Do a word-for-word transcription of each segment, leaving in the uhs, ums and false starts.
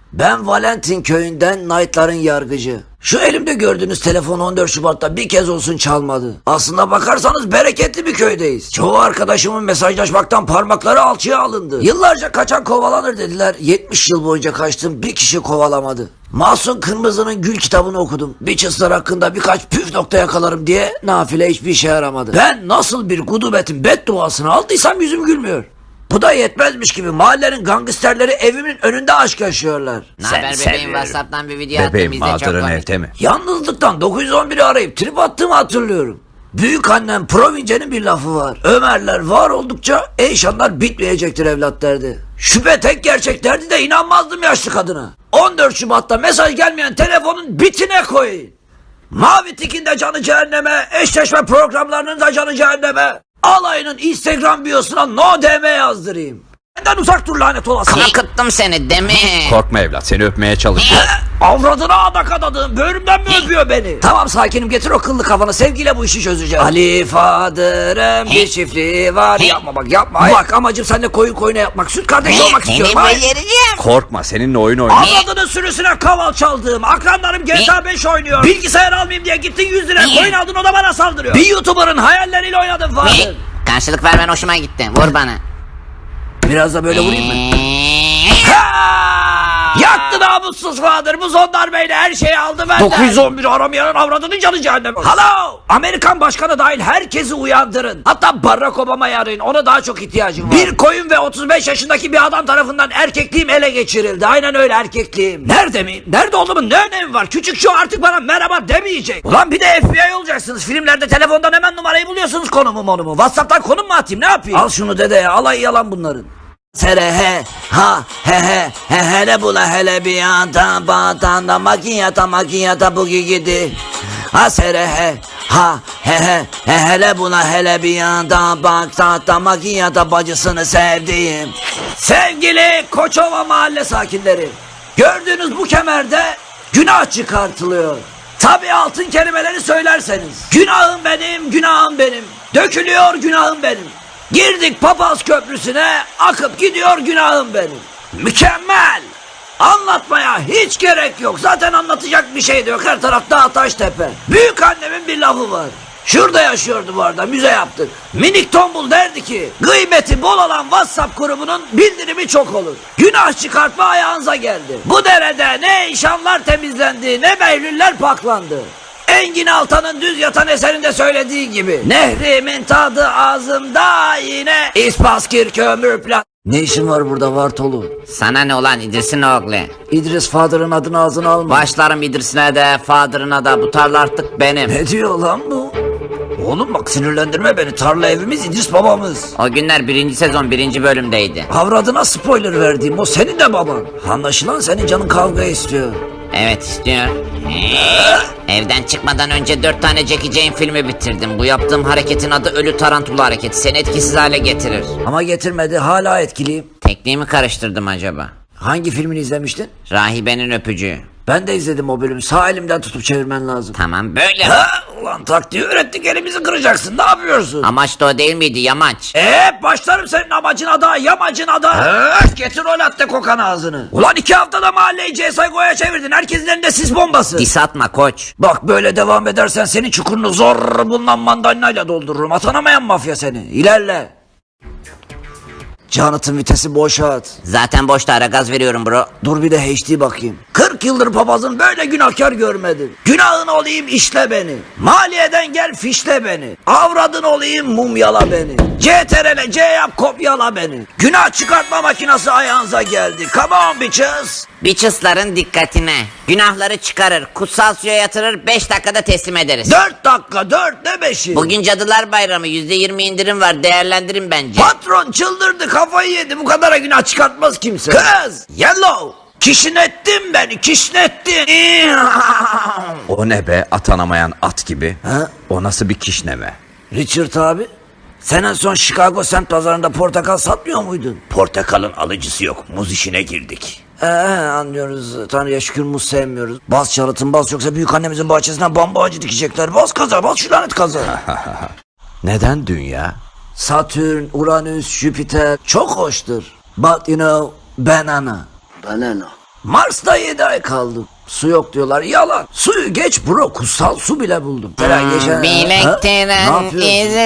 Ben Valentin köyünden Knight'ların yargıcı. Şu elimde gördüğünüz telefon on dört Şubat'ta bir kez olsun çalmadı. Aslında bakarsanız bereketli bir köydeyiz. Çoğu arkadaşımın mesajlaşmaktan parmakları alçıya alındı. Yıllarca kaçan kovalanır dediler. yetmiş yıl boyunca kaçtım, bir kişi kovalamadı. Mahsun Kırmızı'nın Gül kitabını okudum. Bitches'lar hakkında birkaç püf nokta yakalarım diye nafile hiçbir işe yaramadı. Ben nasıl bir gudubetin bedduasını aldıysam yüzüm gülmüyor. Bu da yetmezmiş gibi mahallenin gangsterleri evimin önünde aşk yaşıyorlar. Ne haber bebeğim, WhatsApp'tan bir video attım, Bebeğim izle, çok mağduran komik. evde mi? Yalnızlıktan dokuz yüz on biri arayıp trip attığımı hatırlıyorum. Büyük annem Province'nin bir lafı var. Ömerler var oldukça Eyşanlar bitmeyecektir evlat derdi. Şüphe tek gerçek derdi de inanmazdım yaşlı kadına. on dört Şubat'ta mesaj gelmeyen telefonun bitine koyun. Mavi Tik'in de canı cehenneme, eşleşme programlarının da canı cehenneme. Alayının Instagram biosuna no D M yazdırayım. Benden uzak dur lanet olası. Korkuttum seni değil mi? Korkma evlat, seni öpmeye çalışıyor. Avradına adak adadığım böğrümden mi öpüyor beni? Tamam sakinim, getir o kıllı kafanı, sevgiyle bu işi çözeceğiz. Ali Fadır'ın bir çiftliği var. Yapma bak yapma. Bak amacım seninle koyun koyuna yapmak. Süt kardeşi olmak Seni istiyorum. Hayır. beceririm. Korkma, seninle oyun oynuyor. Avradının sürüsüne kaval çaldığım. Akranlarım G T A beş oynuyor. Bilgisayar almayayım diye gittin yüz lira koyun aldın, o da bana saldırıyor. Bir YouTuber'ın hayalleriyle oynadın Fadır. Karşılık vermen hoşuma gitti. Vur bana. Biraz da böyle vurayım mı? Yaktı namussuz Fadır. Bu son darbeyle her şeyi aldı benden. dokuz yüz on bir aramayanın avradının canı cehennem. Hello. Amerikan başkanı dahil herkesi uyandırın. Hatta Barack Obama'yı arayın. Ona daha çok ihtiyacım var. Bir koyun ve otuz beş yaşındaki bir adam tarafından erkekliğim ele geçirildi. Aynen öyle, erkekliğim. Nerede miyim? Nerede olduğumun ne önemi var? Küçük şu artık bana merhaba demeyecek. Ulan bir de F B I olacaksınız. Filmlerde telefondan hemen numarayı buluyorsunuz, konumu monumu. WhatsApp'tan konum mu atayım, ne yapayım? Al şunu dede ya. Alay yalan bunların. Sere he ha he he he hele bula hele bir yanda batanda makiyata makiyata bugi gidi. Ha sere he ha he he he hele bula hele bir yanda batanda makiyata bacısını sevdiğim. Sevgili Koçova mahalle sakinleri, gördüğünüz bu kemerde günah çıkartılıyor. Tabi altın kelimeleri söylerseniz. Günahım benim, günahım benim. Dökülüyor günahım benim. Girdik Papaz Köprüsü'ne, akıp gidiyor günahım benim. Mükemmel. Anlatmaya hiç gerek yok. Zaten anlatacak bir şey de yok. Her taraf dağ taş tepe. Büyük annemin bir lafı var. Şurada yaşıyordu bu arada, müze yaptık. Minik tombul derdi ki, gıybeti bol olan WhatsApp grubunun bildirimi çok olur. Günah çıkartma ayağınıza geldi. Bu derede ne eşanlar temizlendi, ne behlüller paklandı. Engin Altan'ın Düz Yatan eserinde söylediği gibi, nehrimin tadı ağzımda yine İspaskir kömür plan. Ne işin var burada Vartolu? Sana ne olan İdris'in oğlu? İdris Fadır'ın adını ağzına alma. Başlarım İdris'ine de Fadır'ına da, bu tarla artık benim. Ne diyor lan bu? Oğlum bak sinirlendirme beni, tarla evimiz, İdris babamız. O günler birinci sezon birinci bölümdeydi. Avradına spoiler verdiğim o senin de baban. Anlaşılan senin canın kavga istiyor. Evet istiyor. Evden çıkmadan önce dört tane Jackie Chan filmi bitirdim. Bu yaptığım hareketin adı ölü tarantula hareketi. Seni etkisiz hale getirir. Ama getirmedi, hala etkiliyim. Tekniğimi karıştırdım acaba? Hangi filmini izlemiştin? Rahibenin öpücüğü. Ben de izledim o bölümü, sağ elimden tutup çevirmen lazım. Tamam böyle. Ha, ulan taktiği öğrettik, elimizi kıracaksın, ne yapıyorsun? Amaç da o değil miydi, yamaç? Eee başlarım senin amacına da, yamacına da. Öf, getir o latte kokan ağzını. Ulan iki haftada mahalleyi C S G O'ya çevirdin, herkesin elinde sis bombası. Dis atma koç. Bak böyle devam edersen senin çukurunu zor bulunan mandalinayla doldururum. Atanamayan mafya seni. İlerle. Jonathan vitesi boşa at. Zaten boşta, ara gaz veriyorum bro. Dur bir de H D bakayım. kırk yıldır papazın böyle günahkar görmedim. Günahın olayım işle beni. Maliyeden gel fişle beni. Avradın olayım mumyala beni. C T R L C yap kopyala beni. Günah çıkartma makinesi ayağınıza geldi. Come on bitches. Bitches'ların dikkatine. Günahları çıkarır, kutsal suya yatırır, beş dakikada teslim ederiz. Dört dakika, dört ne beşi? Bugün Cadılar Bayramı, yüzde yirmi indirim var, değerlendirin bence. Patron çıldırdı, kafayı yedi, bu kadara günah çıkartmaz kimse. Kız yellow, kişnettin beni, kişnettin. O ne be, atanamayan at gibi. Ha? O nasıl bir kişneme? Richard abi, sen en son Chicago semt pazarında portakal satmıyor muydun? Portakalın alıcısı yok. Muz işine girdik. Ee, anlıyoruz. Tanrı'ya şükür muz sevmiyoruz. Bas çalıtın bas, yoksa büyük annemizin bahçesinden bambu ağacı dikecekler. Bas kaza, bas şu lanet kaza. Neden dünya? Satürn, Uranüs, Jüpiter çok hoştur. But you know, banana. Banana. Mars'ta yedi ay kaldım. Su yok diyorlar. Yalan. Suyu geç bro. Kutsal su bile buldum. Falan geçen... Ha? Ne Bilektiren yapıyorsun?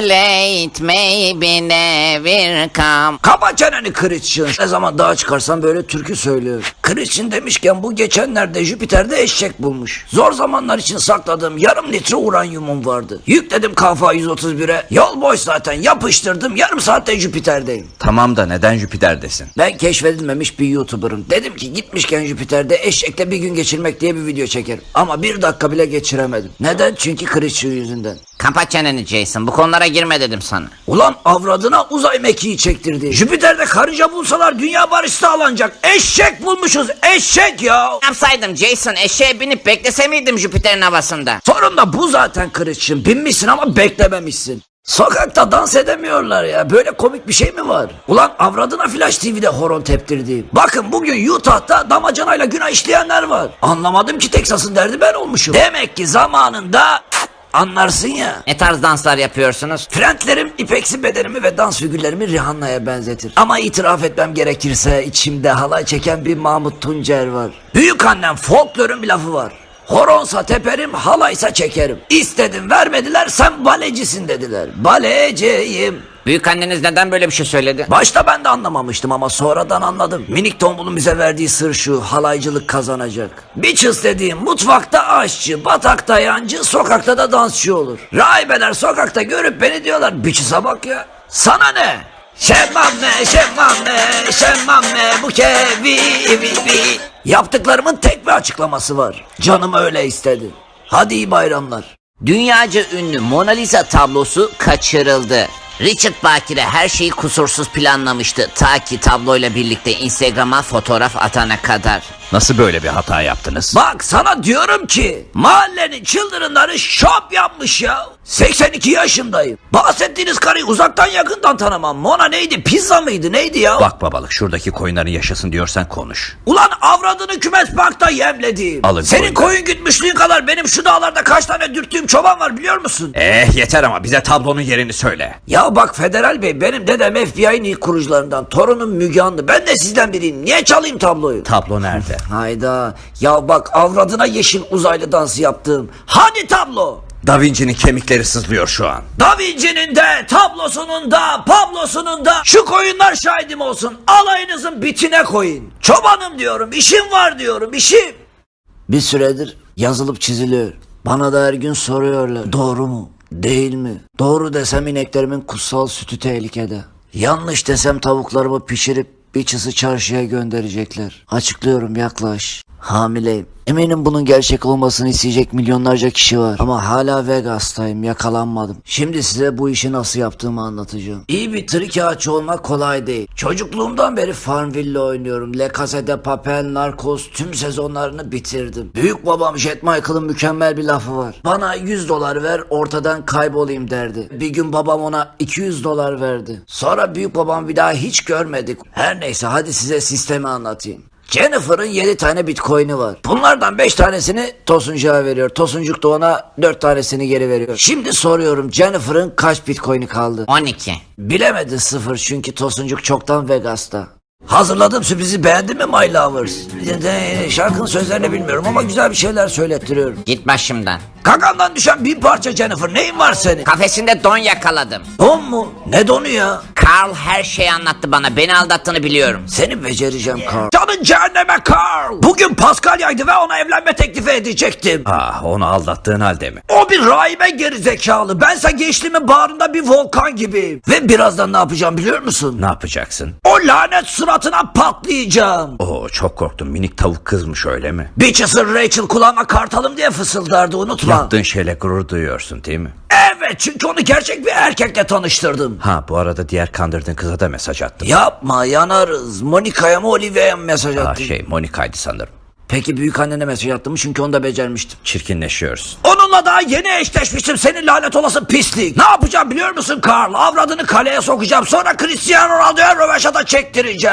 izleyt maybe never come. Kapa çeneni Christian. Ne zaman dağa çıkarsan böyle türkü söylüyor. Christian demişken bu geçenlerde Jüpiter'de eşek bulmuş. Zor zamanlar için sakladığım yarım litre uranyumum vardı. Yükledim K F yüz otuz bire. Yol boş zaten, yapıştırdım. Yarım saatte Jüpiter'deyim. Tamam da neden Jüpiter'desin? Ben keşfedilmemiş bir YouTuber'ım. Dedim ki gitmişken Jüpiter'de eşekle bir gün geçirmek diye bir video çekerim. Ama bir dakika bile geçiremedim. Neden? Çünkü Christian yüzünden. Kapat çeneni Jason, bu konulara girme dedim sana. Ulan avradına uzay mekiği çektirdi. Jüpiter'de karınca bulsalar dünya barışı sağlanacak. Eşek bulmuşuz, eşek ya. Ne yapsaydım Jason, eşeğe binip beklese miydim Jüpiter'in havasında? Sorun da bu zaten Christian. Binmişsin ama beklememişsin. Sokakta dans edemiyorlar ya. Böyle komik bir şey mi var? Ulan avradına Flash T V'de horon teptirdi. Bakın bugün Utah'ta damacanayla günah işleyenler var. Anlamadım ki Texas'ın derdi ben olmuşum. Demek ki zamanında anlarsın ya. Ne tarz danslar yapıyorsunuz? Trendlerim ipeksi bedenimi ve dans figürlerimi Rihanna'ya benzetir. Ama itiraf etmem gerekirse içimde halay çeken bir Mahmut Tuncer var. Büyük annem folklorun bir lafı var. Horonsa teperim, halaysa çekerim. İstedim vermediler, sen balecisin dediler. Baleciyim. Büyük anneniz neden böyle bir şey söyledi? Başta ben de anlamamıştım ama sonradan anladım. Minik tombulun bize verdiği sır şu: halaycılık kazanacak. Bitches dediğim mutfakta aşçı, batakta yancı, sokakta da dansçı olur. Rahibeler sokakta görüp beni diyorlar, bitches'a bak ya. Sana ne? Şemmame, şemmame, şemmame bu kevi vi vi. Yaptıklarımın tek bir açıklaması var. Canım öyle istedi. Hadi iyi bayramlar. Dünyaca ünlü Mona Lisa tablosu kaçırıldı. Richard Bakire her şeyi kusursuz planlamıştı ta ki tabloyla birlikte Instagram'a fotoğraf atana kadar. Nasıl böyle bir hata yaptınız? Bak sana diyorum ki mahallenin çıldırınları şop yapmış ya. seksen iki yaşındayım. Bahsettiğiniz karıyı uzaktan yakından tanımam. Mona neydi? Pizza mıydı? Neydi ya? Bak babalık, şuradaki koyunların yaşasın diyorsan konuş. Ulan avradını kümes parkta yemlediğim. Alın Senin koyun. koyun gütmüşlüğün kadar benim şu dağlarda kaç tane dürttüğüm çoban var biliyor musun? Eh yeter ama bize tablonun yerini söyle. Ya bak Federal Bey, benim dedem F B I'nin ilk kurucularından. Torunum Müge Anlı. Ben de sizden biriyim. Niye çalayım tabloyu? Tablo nerede? Hayda. Ya bak avradına yeşil uzaylı dansı yaptığım. Hani tablo? Da Vinci'nin kemikleri sızlıyor şu an. Da Vinci'nin de, tablosunun da, Pablo'sunun da şu koyunlar şahidim olsun. Alayınızın bitine koyun. Çobanım diyorum, işim var diyorum, işim. Bir süredir yazılıp çiziliyor. Bana da her gün soruyorlar. Doğru mu? Değil mi? Doğru desem ineklerimin kutsal sütü tehlikede. Yanlış desem tavuklarımı pişirip bir çısı çarşıya gönderecekler. Açıklıyorum, yaklaş. Hamileyim. Eminim bunun gerçek olmasını isteyecek milyonlarca kişi var. Ama hala Vegas'tayım, yakalanmadım. Şimdi size bu işi nasıl yaptığımı anlatacağım. İyi bir trikağaçı olmak kolay değil. Çocukluğumdan beri Farmville oynuyorum. Le Casa de Papel, Narcos tüm sezonlarını bitirdim. Büyük babam Jet Michael'ın mükemmel bir lafı var. Bana yüz dolar ver, ortadan kaybolayım derdi. Bir gün babam ona iki yüz dolar verdi. Sonra büyük babam bir daha hiç görmedik. Her neyse, hadi size sistemi anlatayım. Jennifer'ın yedi tane bitcoin'i var. Bunlardan beş tanesini Tosuncuğa veriyor. Tosuncuk da ona dört tanesini geri veriyor. Şimdi soruyorum, Jennifer'ın kaç bitcoin'i kaldı? on iki. Bilemedi, sıfır, çünkü Tosuncuk çoktan Vegas'ta. Hazırladığım sürprizi beğendin mi My Lovers? Şarkının sözlerini bilmiyorum ama güzel bir şeyler söylettiriyorum. Git başımdan. Kakandan düşen bir parça Jennifer, neyin var senin? Kafesinde don yakaladım. Don mu? Ne donu ya? Carl her şeyi anlattı bana. Beni aldattığını biliyorum. Seni becereceğim Carl. Canın cehenneme Carl. Bugün Paskalya'ydı ve ona evlenme teklifi edecektim. Ah, onu aldattığın halde mi? O bir rahibe gerizekalı. Bense gençliğimin bağrında bir volkan gibiyim. Ve birazdan ne yapacağım biliyor musun? Ne yapacaksın? O lanet suratına patlayacağım. Oo, çok korktum, minik tavuk kızmış öyle mi? Bitches'ın Rachel kulağıma kartalım diye fısıldardı, unutma. Yaptığın şeyle gurur duyuyorsun değil mi? Evet, çünkü onu gerçek bir erkekle tanıştırdım. Ha, bu arada diğer kandırdığın kıza da mesaj attım. Yapma, yanarız. Monika'ya mı Olivia'ya mı mesaj Ha, attın? şey Monika'ydı sanırım. Peki büyük annene mesaj attın mı? Çünkü onu da becermiştim. Çirkinleşiyorsun. Onunla daha yeni eşleşmiştim, senin lanet olası pislik. Ne yapacağım biliyor musun Carl? Avradını kaleye sokacağım, sonra Cristiano Ronaldo'ya röveşata çektireceğim.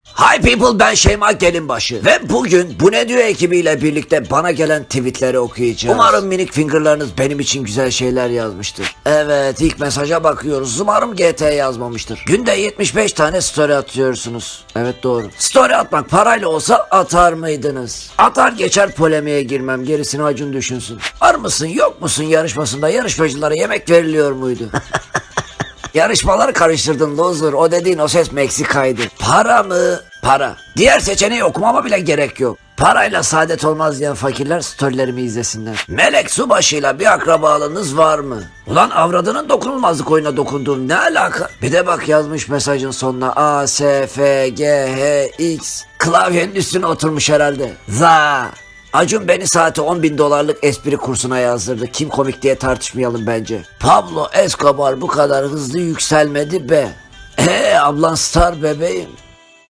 Hi people, ben Şeyma Gelinbaşı ve bugün Bu Ne Diyor ekibiyle birlikte bana gelen tweetleri okuyacağız. Umarım minik fingerlarınız benim için güzel şeyler yazmıştır. Evet, ilk mesaja bakıyoruz. Umarım G T yazmamıştır. Günde yetmiş beş tane story atıyorsunuz. Evet, doğru. Story atmak parayla olsa atar mıydınız? Atar geçer, polemiğe girmem. Gerisini Acun düşünsün. Var mısın yok musun yarışmasında yarışmacılara yemek veriliyor muydu? Yarışmaları karıştırdın loser. O dediğin o ses Meksika'ydı. Para mı? Para. Diğer seçeneği okumama bile gerek yok. Parayla saadet olmaz diyen fakirler storylerimi izlesinler. Melek Subaşı'yla bir akrabalığınız var mı? Ulan avradının dokunulmazlık oyuna dokunduğum ne alaka? Bir de bak yazmış mesajın sonuna A, S, F, G, H, X. Klavyenin üstüne oturmuş herhalde. Za. Acun beni saate on bin dolarlık espri kursuna yazdırdı. Kim komik diye tartışmayalım bence. Pablo Escobar bu kadar hızlı yükselmedi be. Eee ablan star bebeğim.